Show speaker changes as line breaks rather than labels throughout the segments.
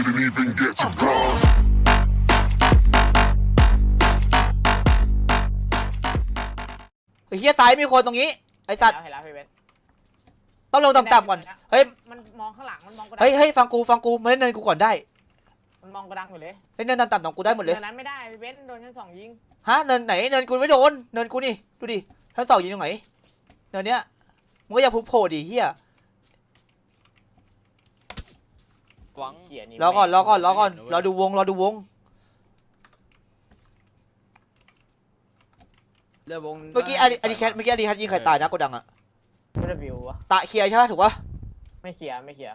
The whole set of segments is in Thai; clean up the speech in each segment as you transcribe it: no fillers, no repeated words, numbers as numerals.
didn't even get to bronze.
ไอ้เหี้ยซ้ายมีคนตรงนี้ไอ้สัตว์
เห็นแล้วพี่เบน
ต้องลงต่ำๆก่อนเฮ้ย
มันมองข้างหลังมันมองกระดั
เฮ้ยฟังกูมาเล่นเนินกูก่อนได้
มันมองกระดังอยู่เลย
เล่นเนินต่ำๆของกูได้หมดเลย
เนินนั้นไม่ได้พี่เบนโดนชั้นสองยิง
ฮะเนินไหนเนินกูไม่โดนเนินกูนี่ดูดิชั้นสองยิงตรงไหนเนินเนี้ยมึงก็อย่าพุ่งโผล่ดิเฮีย
หวัง
เขียนี่
รอก่อนรอดูวง
เรือวง
เมื่อกี้อดีแคทยิงใครตายนะโกดังอะ
ไม่ได้วิววะ
ตะเคลียร์ใช่ปะถูกปะ
ไม่เคลียร์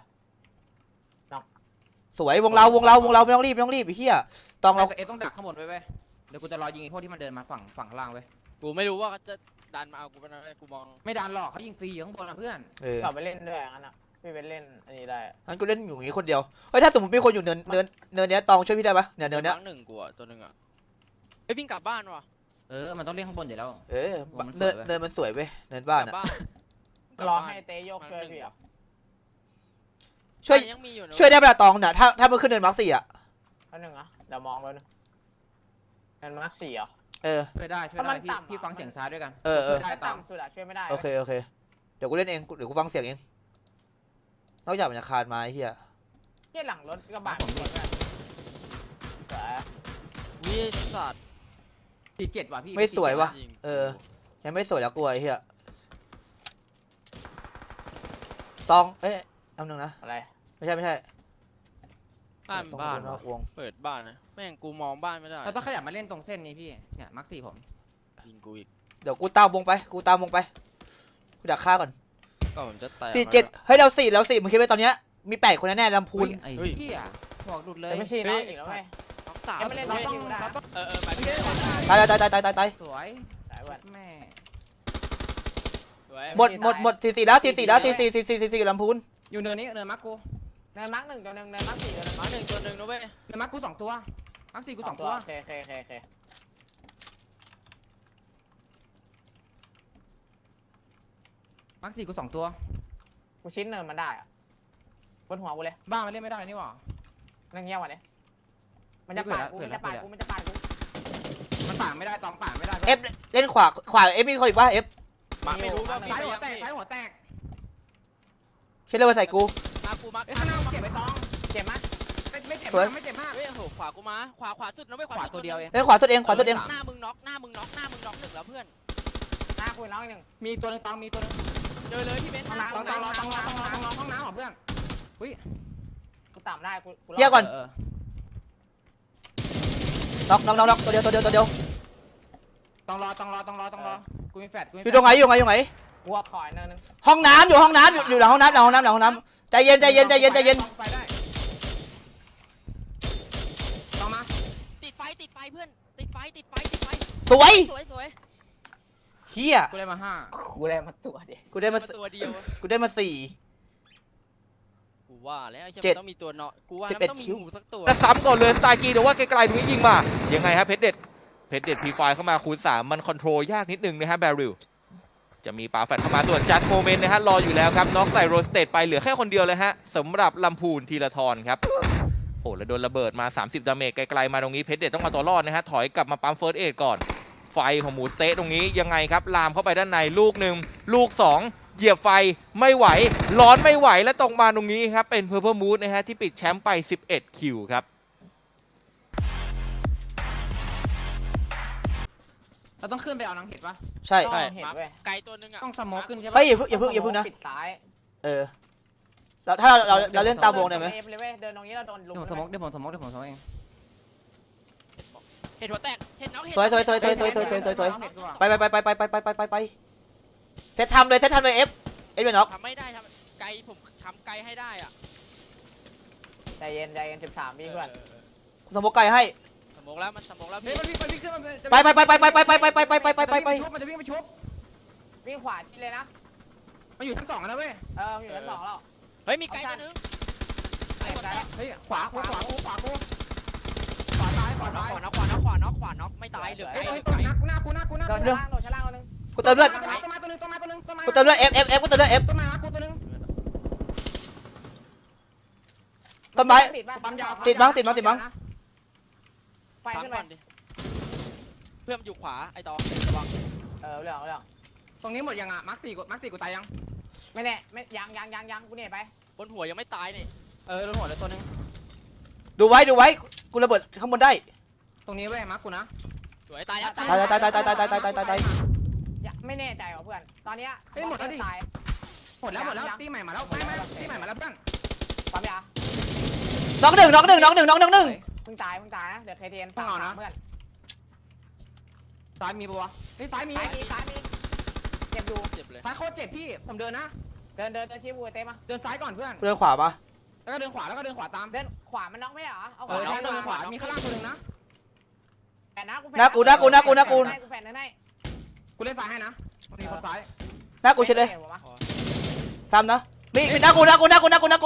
สวยวงเราไม่ต้องรีบไอ้เฮียตองเรา
เอต้องดักข้างบนไว้เว้ยเดี๋ยวกูจะรอยิงไอ้พวกที่มันเดินมาฝั่งข้างล่างเว้ย
กูไม่รู้ว่าเขาจะดันมาเอากูเป็นอะไรกูมอง
ไม่ดันหรอกเขายิงฟรีอยู่ข้างบนนะเพื่อน
กลับไปเล่นด้วยงั้นอ่ะพี่เบนเล่นอันนี้ได้
งั้นกูเล่นอยู่อย่างนี้คนเดียวเฮ้ยถ้าสมมติมีคนอยู่เนินเนี้ยตองช่วยพี่ได้ปะเนี่ยเนินเนี้ย
ครั้งหนึ่งกูอะตัวหนึ่งอะไอ้วิ่งกลับบ้านว่ะ
มันต้องเล่นข้างบนเดี๋ยวแล้ว
เนินมันสวยเว้ยเนินบ้าน
กลั
อะ
บบ้าน
รอให้เตยโยกช่วยพี่อ่ะ
ช่วย
ยังมีอยู่นะ
ช่วยได้ปะตองเนี่ยถ้ามันขึ้นเนินมาร์ค4อะ
อันหนึ่งอ่ะเดี๋ยวมองเลยนะเนินมาร์ค4อ่ะ
ช่วยได้พี่ฟังเสียงซ้ายด้วยกัน
เออ
ได้
ถ้าต่ำสุดอะช่วยไม่ได้
โอเคเดี๋ยวกูเล่นเองเดี๋ยวกูฟังเสียงเองนอกจากมันจะคานมาไอ้เฮีย
เที่ยหลังรถกระบะมีคนด้วยสวย
นี่สัตว์
47ว่ะพี่
ไม่สวยวะ
ยิง
ยังไม่สวยแล้วกลัวไอ้เฮียตองทำหนึ่งนะ
อะไร
ไม่ใช่
บ้าน
ต้อง
บ้าน
นอกวง
เปิดบ้านนะแม่งกูมองบ้านไม่ได้
เราต้องขยับมาเล่นตรงเส้นนี้พี่เนี่ยมาร์ค4ผม
ยิงกูอีก
เดี๋ยวกูตามวงไปกูดักฆ่าก่อน
ก็ผมจะแตก
47เฮ้ยเรา4มึงคิดว่าตอนเนี้ยมี8คนแน่ๆลำพูน
ไอ้เหี้ยบอกหลุดเลย
แต่ไม่ใช่น้องอีกแล้วไง
น้องสาม
ยังไม่เล่น
เราต้อง
ไปพี่
ตาย
สวย
สายวัน
แม่
หมด44แล้ว44ลำพูน
อยู่เนินนี้เนินมาร์คกู
เนินมาร์ค1ตัวหนึ่งเนินมาร์ค4ตัวหนึ่ง
มาหนึ่งตัวหนึ่งนะเว้ย
เนินมาร์คกู2ตัวมาร์ค4กู2ตัว
โอเค
มาร์ค4กู2ตัว
กูชิ้นเนินมันได้อะบนหัวกูเลย
บ้ามันเล่นไม่ได้นี่หว่า
นั่งเงี้ยววันนี้มันจะปาดกูมันจะปาดกู
มันป่าไม่ได้ตองป่าไม่ได้
เอฟเล่นขวาเอฟมีคนอีกว่าเอฟ
มาไม่รู้ว่า
ซ้ายหัวแตกซ้ายหัวแตก
เชื่อเลยว่าใส่กู
มากูมา
เอ้ยข้างหน้าเจ็บไปตอง
เจ็บมั้ย
ไม่เจ็บ
สวย
มากไม่เจ็บมาก
เฮ้ยโหขวากูมาขวาสุดนะเว้ย
ขวาตัวเดียวเอง
เล่นขวาสุดเอง
หน้ามึงน็อกหน้ามึงน็อกหนึ่งแล้วเพื่อน
หน้ากูน้องอีกหนึ่ง
มีตัวนึงตองมีตัวนึง
เจอเลยพี่เบนซ์
ต้องรอห้องน้ำของเพื่อนอุ้ย
กูต่ำได้กู
เยี่ยก่อนน็อกตัวเดียว
ต้องรอกูมีแฟดกูมี
อยู่ตรงไหนอยู่ไหน
กูว่าขอยเนินนึง
ห้องน้ำอยู่หลังห้องน้ำใจเย็น
ไฟได้ต้องมา
ติดไฟเพื่อนติดไฟ
สวย
สวย
เฮีย
กูได้มา5
กูได้มาตัวเดียว
กูได้มา
ตัวเดียว
4
กูว่าแล้วใช่ไห
เจ็
ม
ด
ต้องมีตัวเนาะกูว่า
11
มันต้องมี
คิว
หมูสักตัว
แล้วซ้ำก่อนเลยสไตล์กีหรือว่าไกลๆตรงนี้ยิงมายังไงฮะเพชรเด็ดพีไฟเข้ามาคูณ3มันคอนโทรลยากนิดนึงนะฮะแบริลจะมีปาแฟดเข้ามาส่วนจัดโมเมนต์นะฮะรออยู่แล้วครับน็อกใส่โรสเตดไปเหลือแค่คนเดียวเลยฮะสำหรับลำพูนธีรทรครับโอ้แล้วโดนระเบิดมา30ดาเมจไกลๆมาตรงนี้เพชรเด็ดต้องเอาตัวรอดนะฮะถอยกลับมาปั๊มเฟิร์สเอดก่อนไฟของหมูเตะตรงนี้ยังไงครับลามเข้าไปด้านในลูก1ลูก2เหยียบไฟไม่ไหวร้อนไม่ไหวและตรงมาตรงนี้ครับเป็นเพอร์เพอร์มูดนะฮะที่ปิดแชมป์ไป11คิวครับ
เราต้องขึ้นไปเอานังเห็ดปะ
ใช่
เห็นเว้ย
ไกลตัวนึงอ่ะ
ต้องสโมกขึ้นใช่ปะ
เฮ้ยอย่าเพิ่งนะ
ปิดซ้าย
แล้วถ้าเราเล่นตามวงได้ไหม
เอฟเลยเว้ยเดินตรงนี้เราโดนลุม
เดี๋ยวผมสโมกเอง
เห็ดหัวแตกเห็ดน้องเห็ด
สวยไปเซตทำเลยเอฟเป็นน็อก
ทำไม่ได้ทำไกลผมทำไกลให้ได้อ่ะ
ใจเย็น13วิเพื่อน
สมมติไก่ให้
สมองแล้วมันสมองแล้ว
เฮ้ย
พี่
มันวิ่งขึ้นมัน
ไป
มันจะวิ่งไปชุบ
วิ่งขวาชิดเลยนะ
มันอยู่ชั้น2นะเว้ย
อยู่ชั้น2แล้ว
เฮ้ยมีไกลตัวนึงไอ้หัวแตก
เฮ้ยขวาซ้าย
ขวาน็อกไม่ตายเหลือ
เฮ้
ไกล
ย
ไกล
หน้ากู
โดนชั้นล่างคนนึง
กูเติมเลือด
ต้นไม้ตัวนึง
กูเติมเลือดเอฟกูเติมเลือดเอฟ
ต้นไม้กูตัวนึง
ต้นไม้
ติดปะ
ปั๊มยาว
ติดมั้งติดมั้งติดมั้ง
ไฟ
ฟัง
ขึ้นไป
ก่อนดิเพื่อนมันอยู่ขวาไอ้ตอระวัง
เรื่อง
ตรงนี้หมดยังอ่ะมาร์คสี่กูตายยัง
ไม่แน่ไม่ยังกูเนี่ยไป
บนหัวยังไม่ตายนี่
โดนหัวเลยตัวนึง
ดูไว้กูระเบิดข้างบนได้
ตรงนี้เว้ยมาร์คกูนะ
สวยตายแล้ว
ตาย
ไม่แน่ใจว่ะเพื่อนตอนเนี้ย
หมดแล้วตีใหม่มาแล้วไม่ตีใหม่มาแล้วเพื่อน
ปั๊มยา
น็อกหนึ่ง
เพิ่งตายนะเดี๋ยวเคเทนเพื่อน
ซ้ายมีปะวะเฮ้ยซ้ายมี
ซ้ายมีเจ็บอยู่
เจ็บเลย
ซ้ายโคตรเจ็บพี่ผมเดินนะ
เดินชี้บูเต้มา
เดินซ้ายก่อนเพื่อน
กูเดินขวาปะ
แล้วก็เดินขวาแล้วก็เดินขวาตาม
เดินขวามันน็อกไม่เหรอเอา
ใช่เดินขวามีข้างล่างตัวนึงนะ
แฝดนะกู
หน้ากู
แฝดให้
กูเล่นซ้ายให้นะมีคนซ้าย
หน้ากูเฉยเลยซ้ำนะมีหน้ากูน็อก
เสร็จ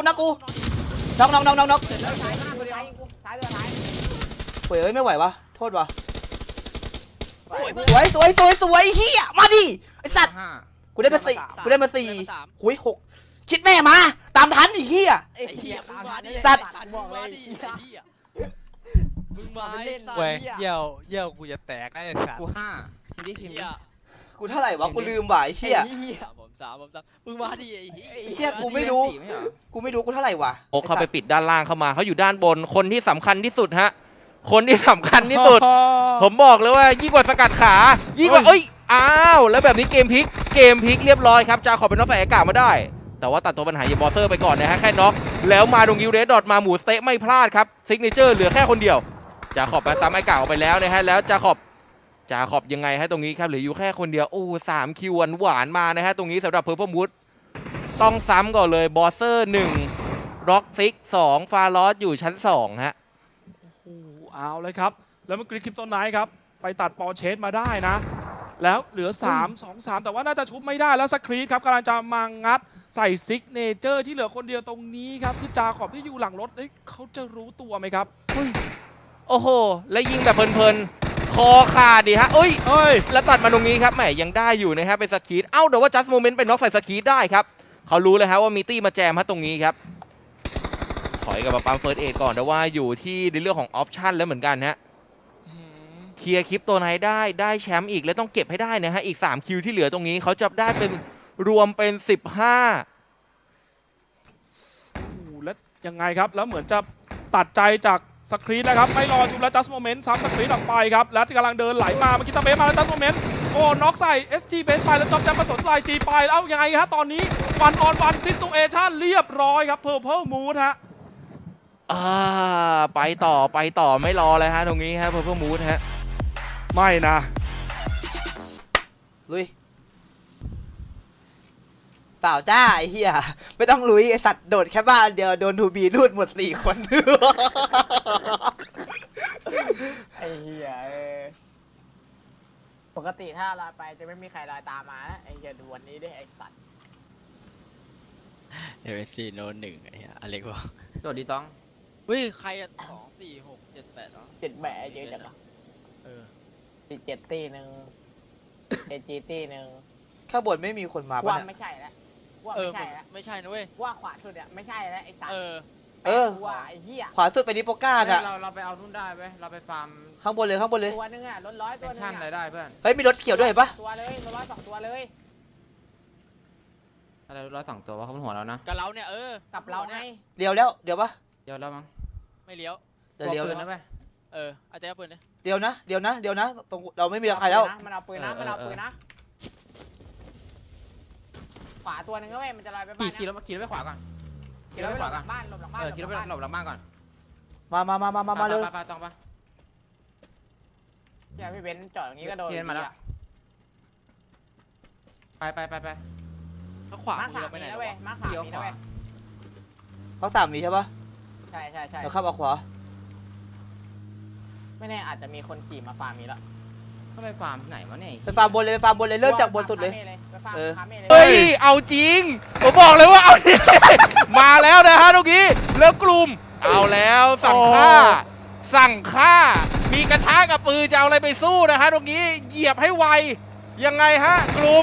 แล้วซ้ายข้างตัวเดียว
ซ้ายตัวท้าย
เฮ้ยไม่ไหววะโทษวะ
สวย
สวยเฮียมาดิไอสัตว์
5
กูได้มาสี่
เพื่อนมาสาม
หุย6คิดแม่มาตามทันไอ้เฮีย
ไอ้เหี้ยมึงมาดิ
สัตว์
มึงมาดิไอ้เหี้ยมึงมาไอ้สัตว์
เว้ยเยี่ยวกูจะแตกไอ้สัตว์
กู5พิมพ์ดิพิมพ์ดิ
เหี้ย
กูเท่าไหร่วะกูลืมว่ะไอ้เฮีย
ผมสามมึงมาดิไอ้เหี้ย
ไอ้เหี้ยกูไม่รู้ กูไม่รู้กูเท่าไหร่วะ
โอ๊กเข้าไปปิดด้านล่างเข้ามาเขาอยู่ด้านบนคนที่สำคัญที่สุดฮะคนที่สำคัญที่สุด ผมบอกเลยว่ายิ่งกว่าสกัดขายิ่งกว่าอ้าวแล้วแบบนี้เกมพลิกเรียบร้อยครับจาขอเป็นน็อกใส่อากาศมาได้ แต่ว่าตัดตัวปัญหาเยบอสเซอร์ไปก่อนนะฮะแค่น็อกแล้วมาตรงยิวเรสดอทมาหมูสเต๊ะไม่พลาดครับซิกเนเจอร์เหลือแค่คนเดียวจาขอบไปซ้ำไอ้กาออกไปแล้วนะฮะแล้วจาขอบยังไงฮะตรงนี้ครับเหลืออยู่แค่คนเดียวโอ้3 คิวหวานมานะฮะตรงนี้สำหรับเพอร์เพมูดต้องซ้ำก่อนเลยบอสเซอร์1ร็อกซิก2ฟาลอสอยู่ชั้น2ฮะ
โอ้โหเอาเลยครับ แล้วเมื่อกี้คลิปต้นไนท์ครับ ไปตัดปอเชสมาได้นะ แล้วเหลือ 3 แต่ว่าน่าจะชุบไม่ได้แล้วสครีตครับกำลังจะมางัดใส่ซิกเนเจอร์ที่เหลือคนเดียวตรงนี้ครับที่จาขอบที่อยู่หลังรถเขาจะรู้ตัวไหมครับ
โอ้โห แล้วยิงแบบเพลินๆ คอขาดดิฮะเอ้ย
เอ้ย
แล้วตัดมาตรงนี้ครับแหมยังได้อยู่นะฮะเป็นสกีดเอ้าเดี๋ยวว่าจัสโมเมนต์เป็นน็อกใส่สกีดได้ครับเขารู้เลยฮะว่ามีตี้มาแจมฮะตรงนี้ครับถอยกับมาปั๊มเฟิร์สเอดก่อนแต่ว่าอยู่ที่ในเรื่องของออปชั่นแล้วเหมือนกันฮะเคลียร์คลิปตัวไหนได้แชมป์อีกแล้วต้องเก็บให้ได้นะฮะอีก3 คิวที่เหลือตรงนี้เขาจะได้เป็นรวมเป็น15
โอ้โหแล้วยังไงครับ แล้วเหมือนจะตัดใจจากสครีตนะครับ ไม่รอชุบแล้วจัสโมเมนต์ซ้ำสครีตออกไปครับ แล้วกำลังเดินไหลมาเมื่อกี้ตาเบสมาแล้วจัสโมเมนต์โอ้น็อกใส่ ST เบสไปแล้วจอมแจมผสมลายจีไปแล้วยังไงฮะตอนนี้วันออนวันซิตูเอชั่นเรียบร้อยครับเพอร์เพลมูดฮะ
ไปต่อไม่รอเลยฮะตรงนี้ฮะเพื่อมูดฮะ
ไม่นะ
ลุยเปล่าจ้าไอ้เหี้ยไม่ต้องลุยไอ้สัตว์โดดแค่บ้านเดียวโดนทูบีรูดหมด4 คน
ไอ้เหี้ยปกติถ้าลอยไปจะไม่มีใครลอยตามมาไอ้เหี้ยดูวันนี้ด้วยไอ้สัตว์
เอเวซีโน1ไอ้เหี้ยอเล็กบอก
โดดดีต้อง
เฮ้ยใครอะ2 4 6 7 8เนาะ
เจ็ดแบะเยอะจัง
เออ
17 ตีหนึ่ง AG ตีหนึ่ง
ข้างบนไม่มีคนมา
ว่า
ปะเนี่ย
ไม่ใช่แล้วว่า
เออ
ไม่ใช่แล้ว
ไม่ใช่นะเว้ย
ว่าขวาสุดอ่ะไม่ใช่แล้วไอ้สัตว์
เออ
ว่าไอ้เหี้ย
ขวาสุดไปนิโปก้าน่ะ
เราไปเอานู่นได้เว้ยเราไปฟาร์ม
ข้างบนเลย
ตัวนึงอ่ะร้อย
เป็
ตัวน นึง
ชั่นอะไร
อ่ะ
ได้เพื่อน
เฮ้ยมีรถเขียวด้วยเห็นปะ
ตัวเลยร้อย2 ตัวเลย
อะไร102 ตัวว่าเขาบนหัวเรานะ
กับเราเนี่ย
กับเราไง
เลี้ยวแล้วเดี๋ยวปะ
เดี๋ยวแล้วมั้ง
ไม่เลี้ยว
เดี๋ยวเลี้ยว
ปืนนะเว้ย
อาจจะเอาปืนเนี่ย
เดี๋ยวนะตรงเราไม่มีใครแล้ว
มันเอาปืนนะมันเอาปืนนะขวาตัวนึงก็เว้ยมันจะลอยไปบ้าน
ขี่รถไปขวาก่อน
ขี่รถไปหลบหลังบ้านหลบหลังบ้าน
ขี่รถไปหลบหลังบ้านก่อน
มาเร็ว
ไปต้องปะ
เนี่ยพี่เบนจอดอย่างนี้ก็โดน
เพียนมาแล้ว ไป
ถ้าขวา
มา
มือ
สาม
เราไป
มี
ไหน
นะ
วะ
เว้ยมาสามมีนะเว้ย
เขา3 มีใช่ปะ
ใช่
เราขับออกขวา
ไม่แน่อาจจะมีคนขี่มาฟาร์มมีแล้ว
ก็ไปฟาร์มไหนวะเนี่ย
ไปฟาร์มบนเลยเริ่มจากบนสุดเลย
ไปฟาร์มคาเม่เลย
เฮ้ยเอาจริงผมบอกเลยว่าเอาจริง มาแล้วนะฮะตรงนี้แล้วกลุ่มเอาแล้วสั่งฆ่ามีกระทะกับปืนจะเอาอะไรไปสู้นะฮะตรงนี้เหยียบให้ไวยังไงฮะกลุ่ม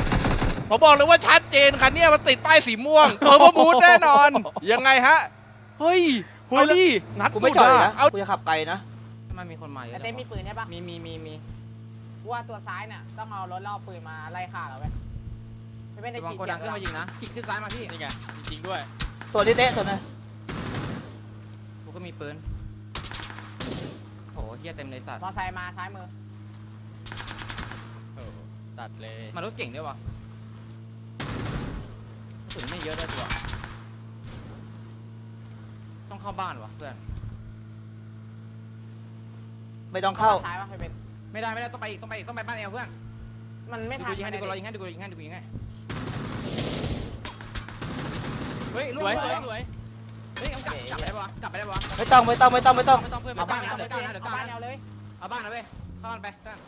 ผมบอกเลยว่าชัดเจนคันนี้มันติดป้ายสีม่วงเพอร์มูดแน่นอนยังไงฮะเฮ้ย
เฮ้
เอา
ยแล้ว
ดิ
งัด
กู
สุ
ไม่
ด
จอดเลย
อะ
นะ
เอา
กูจะขับไกลนะ
ทำไมมีคนมาเย
ไอ
อะ
เต้มีปืนใช่ปะ
มี
กูว่าตัวซ้ายเนี่ยต้องเอารถล่อปืนมาไล่ฆ่าเราเว้ยไม่เป็น
ระ
ได้
วัง
ขี่
โกดังขึ้นมายิงนะขี่ขึ้นซ้ายมาพี่
นี่ไงจริงๆด้วย
ส่วนนี้เตะส่วนนี้
กูก็มีปืนโหเฮียเต็มเลยสัตว์
มอไซค์มาซ้ายมือ
โอ้ตัดเลย
มารถเก่งด้วยวะกระสุนไม่เยอะด้วยตัวต้องเข้าบ้านวะเพื่อน
ไม่ต้องเข้า
ซ้ายปะเป็น
ไม่ได้ต้องไปอีกต้องไปบ้านเอลเพื่อน
มันไม่
ดู
ทัน
กูยิงให้ดูกูยิงให้ดูกูยิงให้ดูกูยิงให้เฮ้ย
ส
ลูก
วย
ส
ส
ว
วย ยสวย
เฮ้ยกลับไปได้ปะกลับไปได้ปะ
ไม่ต้องไม่ต้องไม่ต้องไม่ต้อง
ไม่ต้องเพื่อน
เอา
ไม่ต้
บ้า
อน ง
นะเดี๋ยวก้าวนะเดี๋ยวก้าว
บ้าน
นะ
เอาเลย
เอาบ้านนะเว้ยเข้าบ้านไปเพื่อน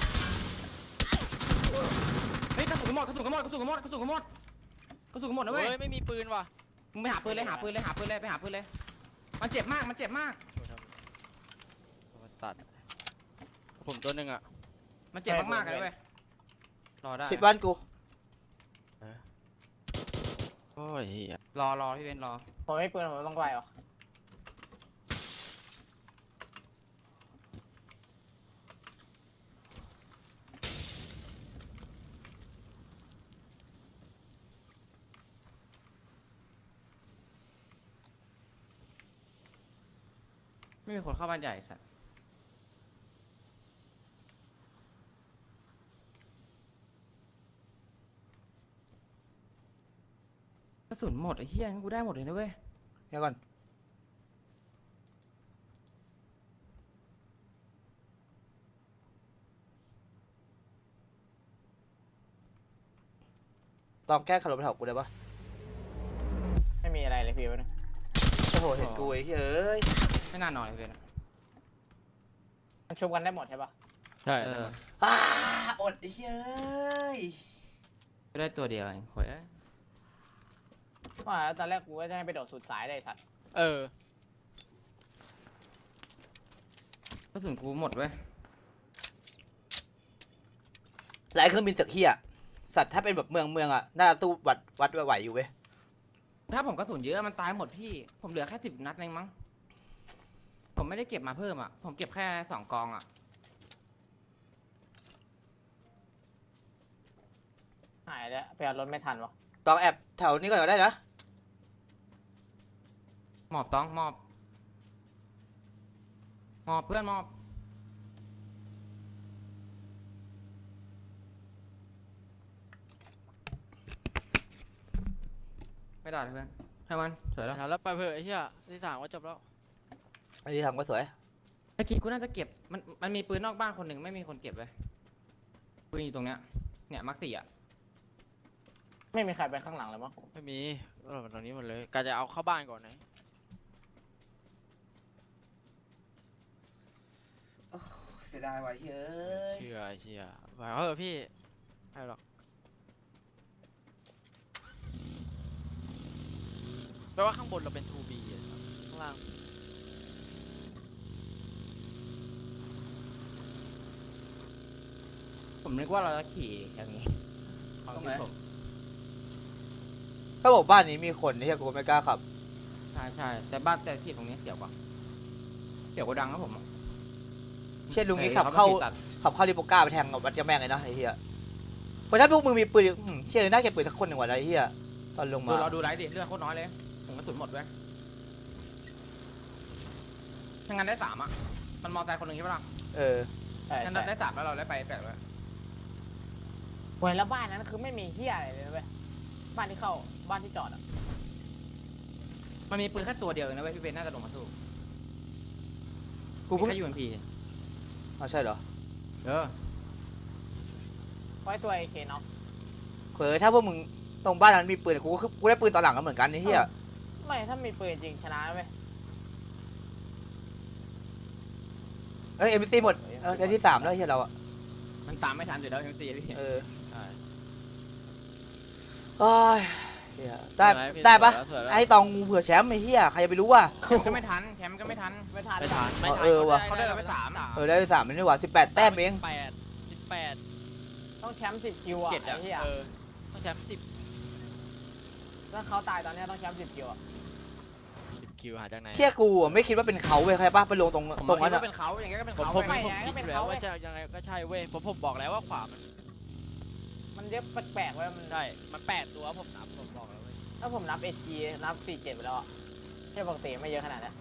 เฮ้ยกระสุนหมดนะเว้ย
เฮ้ยไม่มีปืนว่ะ
มึงไปหาปืนเลยไปหาปืนเลยมันเจ็บมาก
ตัดผมตัวหนึ่งอ่ะ
มันเจ็บมากเลยเว้ยรอได้
สิบบ้านกู
โอ้ยเหี้ย
รอพี่เบนรอ
ผมไม่ปืนผมต้องไกลหรอ
ไม่มีคนเข้าบ้านใหญ่สัตว์กระสุนหมดไอ้เหี้ยงั้นกูได้หมดเลยนะเว้ย
เดี๋ยวก่อนตอมแก้ขับรถไปแถวกูได้ปะ
ไม่มีอะไรเลยพี่วะเนี่ย
โอ้โหเห็นกูไอ้เฮ้ย
ไม่น่านอนเลยเว้ย
มันชุบกันได้หมดใช่ปะ
ใช่
อ้าอดไอ้เฮ้ย
ก็ได้ตัวเดียวเองโว้ย
ว่าตอนแรกกูก็จะให้ไปโดดสุดสายเลยสัตว์
เออก
ระสุนกูหมดเว้ย
หลายเครื่องบินตึกเฮียสัตว์ถ้าเป็นแบบเมืองอ่ะน่าจะสู้วัดไหวอยู่เว้ย
ถ้าผมกระสุนเยอะมันตายหมดพี่ผมเหลือแค่10 นัดเองมั้งผมไม่ได้เก็บมาเพิ่มอ่ะผมเก็บแค่2 กองอ่ะ
หายแล้วไปเอารถไม่ทันวะ
ต้องแอบแถวนี้ก่อนก็ได้นะ
หมอบต้องหมอบเพื่อนหมอบไม่ได้เลยเพื่อนให้มันสวยแล้ว
ถามแล้วไปเถอะไอ้เหี้ยที่สามว่าจบแล้ว
อันนี้ทำก็สวย
เมื่อกี้กูน่าจะเก็บมันมีปืนนอกบ้านคนหนึ่งไม่มีคนเก็บเลยปืนอยู่ตรงเนี้ยเนี่ยมัก4อ่ะ
ไม่มีใครไปข้างหลังเลยมั้ง
ไม่มีเราตรงนี้หมดเลยกาจะเอาเข้าบ้านก่อนนะ
เสียดายว่ะเฮ้ย
เชื่อไหวเขาเหรอพี่ไม่หรอกแปลว่าข้างบนเราเป็น 2B อะข้างล่าง
ผมนึกว่าเราจะขี่อย่างนี้ความคิดผม
ถ้าบอกบ้านนี้มีคนนี่กูไม่กล้าขับ
ใช่แต่บ้านแต่ขี่ตรงนี้เสียวกว่าเสียวกว่าดังนะผมอะ
เช่นลุงนี้ขับเข้าลิโปก้าไปแทงกับวัดยาแม่งเลยนะไอ้เหี้ยเพราะถ้าพวกมึงมีปืนเชื่อน่าเก็บปืนสักคนหนึ่งว่ะไอ้เหี้ยตอนลงมา
เราดูไลฟ์ดิเลือดโคตรน้อยเลยผมกระสุนหมดเว้ยถ้างั้นได้3อ่ะมันมอไซค์คนหนึ่งใช่ปะล่ะ
เออ
ใช่
งั้น
ใช่
ได้3แล้วเราได้ไป8เลย
เว้ยแล้วบ้านนั้นคือไม่มีเฮียอะไรเลยนะเว้ยบ้านที่เข้าบ้านที่จอดอ่ะ
มันมีปืนแค่ตัวเดียวเองนะเว้ยพี่เบนน่าจะลงมาสู้
กู
มี
เพิ่ง
แค่ UMP
อ๋อใช่เหรอ
ไว้ตัวไอเคเนาะ
เผลอถ้าพวกมึงตรงบ้านนั้นมีปืนกูได้ปืนตอนหลังก็เหมือนกันไอ้เหี้ย
ไม่ถ้ามีปืนจริงชนะเว้ย
เอ้ยเอ็มซีหมดได้ที่3แล้วไอ้เหี้ยเราอ่ะ
มันตามไม่ทันอยู่แล้ว MC พี่
เออ
ใช่
โอ้ยเหี้ยได้ปะไอ้ตองงูเผื่อแชมป์ไอ้เหี้ยใครจะไปรู้ว่ะ
แคมป์ก็ไม่ทัน
ไม่ทัน
ไม่ทันไม่ทัน
เออว่ะ
เขาได้ไป3
ได้ที่3นี่หว่า18 แต้มเอง
18
ต้องแชมป์10 คิวอ่ะ
เจ็ด
ไอ้เหี้ย
ต้องแชมป์10
ถ้าเขาตายตอนเนี้ยต้องแชมป์10 คิวอ่ะ
คิวหาจากไหน
เชี่ยกูอะไม่คิดว่าเป็นเขาเว้ยใครป่ะไปลงตรง
ผม
ตรง
คิ
นั้
ด
น
ว่า
อะ
เป็นเขาอย่างเงี้ยก็เป็น
ผม
เขา
ผม
เว้ย
คิดอยู่แล้วว่าจะยังไงก็ใช่เว้ยผมบอกแล้วว่าขวามัน
มันเยอะแปลกๆไว้มัน
ใช่มัน8 ตัวผมนับผมบอกแล้วเว้ย
ถ้าผมนับ SG นับ 47ไปแล้วอะแค่ปกติไม่เยอะขนาดนั้น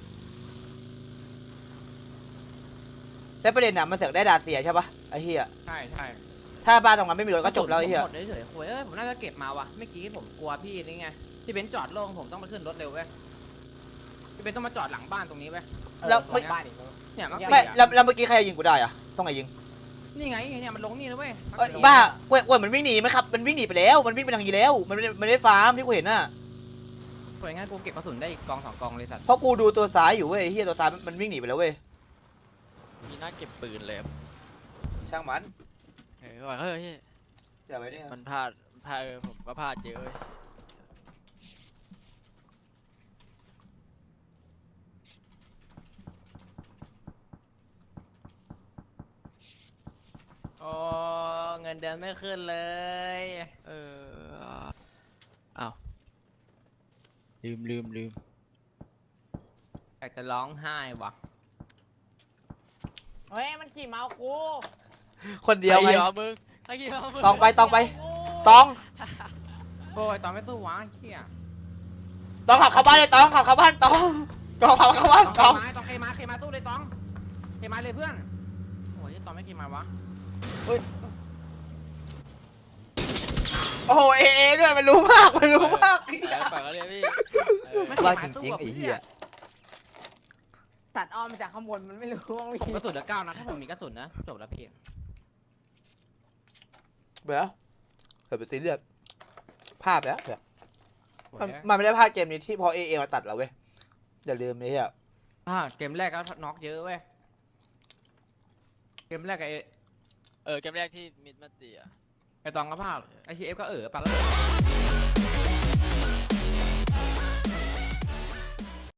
แล้วประเด็นน่ะมันเสือกได้ดาเซียใช่ป่ะไอ้เหี้ย
ใช่ใช่
ถ้าบ้านตรงนั้นไม่มีรถก็จบแล้วไอ้เหี้ย
ผมหมดเฉยๆคุยผมน่าจะเก็บมาวะเมื่อกี้ผมกลัวพี่นี่ไงที่เบนซ์จอดโล่งผมต้องไปขึ้นรถเร็วเว้ยพี่เบนซ์ต้องมาจอดหลังบ้านตรงนี้เว้ย
แล้ว
ไม่บ้านอีก
เนี่ยมัน
ไม่แล้วเมื่อกี้ใครยิงกูได้อะต้องไหนยิง
นี่ไงเนี่ยมันลงนี่นะเว้ย
เอ้ยบ้าเว้ยมันวิ่งหนีไหมครับมันวิ่งหนีไปแล้วมันวิ่งไปทางนี้แล้วมันไม่ได้ฟาร์มที่กูเห็นน่ะ
สวยงั้นกูเก็บกระสุนได้อีกกอง2 กองเลยสัตว์
เพราะกูดูตัวซ้ายอยู่เว้ยไอ้เหี้ยตัวซ้ายมันวิ่งหนีไปแล้วเว้ย
มีหน้าเก็บปืนเลยครับ
ช่างมัน
เฮ้ย
เดี๋ยวไปเนี่ย
มันพลาดผมก็พลาดเยอะเว้ย
โอ้เงินเดือนไม่ขึ้นเลย
อ้าวลืม
อยากจะร้องไห้ว่ะ
เฮ้ยมันขี่เมาส์กู
คนเดียวไง
ไอ้เหี้ยมึงไอ้เหี้ยมึง
ตองไปตอง
โอ้ยตอนไม่สู้วะเฮีย
ตองขับเข้าบ้านเลยตองขับเข้าบ้านตองขับเข้าบ้านตอง
ต้องเคมาสู้เลยตองเคมาเลยเพื่อนโอ้ยตอนไม่เคมาวะ
โอ้โหเอด้วยมันรู้มากไอ้
ปล่อยเขาเลยพี่
ว่าจริงๆไอ้เหี้ย
ตัดอ้อมมาจากข้างบนมันไม่รู้ว่ามี
ผมกระสุนเหลือ9 นัดถ้าผมมีกระสุนนะจบแล้วพี่
เบื่อเกิดเป็นซีเรียสภาพแล้วเนี่ยมันไม่ได้พลาดเกมนี้ที่พอเอมาตัดเราเว้ยอย่าลืมไอ้เหี้ย
เกมแรกก็น็อกเยอะเว้ยเกมแรก
เกมแรกที่มิดมาเตีย
ไอตองก็พลาดไอชีเอฟก็ปาแล้ว